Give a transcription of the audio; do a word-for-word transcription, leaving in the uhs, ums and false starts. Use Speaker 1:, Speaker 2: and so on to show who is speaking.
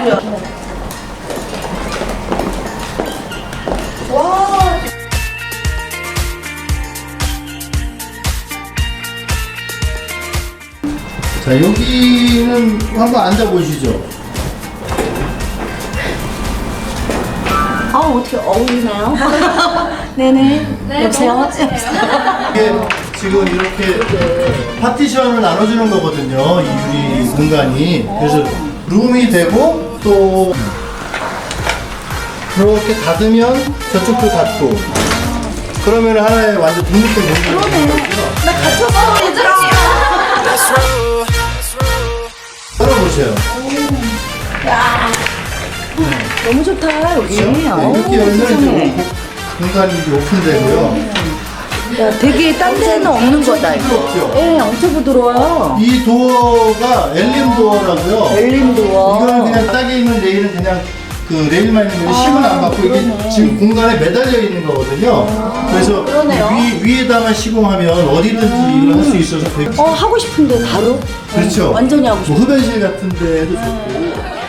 Speaker 1: 와.
Speaker 2: 자, 여기는 한번 앉아보시죠.
Speaker 1: 아, 어떻게 어울리나요? 네네. 여보세요?
Speaker 2: 이게 지금 이렇게 파티션을 나눠주는 거거든요. 이 유리 공간이. 그래서 룸이 되고 또 그렇게 닫으면 저쪽도 닫고 그러면 하나의 완전 독립된 공간이 되는 거고요.
Speaker 1: 나 갇혔어, 얘들아.
Speaker 2: 열어보세요.
Speaker 1: 너무 좋다, 여기.
Speaker 2: 그렇죠? 네,
Speaker 1: 어우,
Speaker 2: 이렇게 열면 이제
Speaker 1: 세상에.
Speaker 2: 오- 공간이 이제 오픈되고요.
Speaker 1: 야, 되게 딴 데는 없는 거다, 이거.
Speaker 2: 없죠?
Speaker 1: 예, 엄청 부드러워요.
Speaker 2: 이 도어가 엘림 도어라고요.
Speaker 1: 엘림 도어.
Speaker 2: 이거는 그냥 딱에 있는 레일은 그냥 그 레일만 있는 거지 힘은 안 받고 이게
Speaker 1: 그러네.
Speaker 2: 지금 공간에 매달려 있는 거거든요. 그래서
Speaker 1: 그러네요.
Speaker 2: 위, 위에다만 시공하면 어디든지 이걸 할 수 있어서 되게
Speaker 1: 어, 하고 싶은데 바로?
Speaker 2: 그렇죠.
Speaker 1: 완전히 하고 싶어.
Speaker 2: 뭐 흡연실 같은 데도 좋고